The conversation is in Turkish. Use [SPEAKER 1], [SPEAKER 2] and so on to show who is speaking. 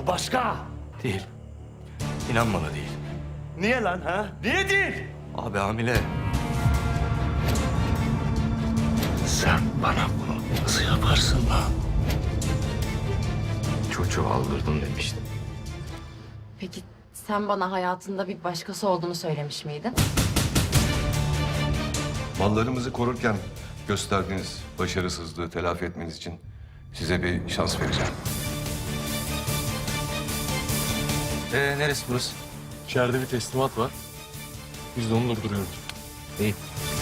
[SPEAKER 1] Bu başka.
[SPEAKER 2] Değil. İnan bana değil.
[SPEAKER 1] Niye lan ha? Niye değil?
[SPEAKER 2] Abi hamile.
[SPEAKER 1] Sen bana bunu nasıl yaparsın lan?
[SPEAKER 2] Çocuğu aldırdım demiştin.
[SPEAKER 3] Peki sen bana hayatında bir başkası olduğunu söylemiş miydin?
[SPEAKER 4] Mallarımızı korurken gösterdiğiniz başarısızlığı telafi etmeniz için size bir şans vereceğim.
[SPEAKER 2] Neresi burası?
[SPEAKER 5] İçeride bir teslimat var. Biz de onu durduruyoruz.
[SPEAKER 2] İyi.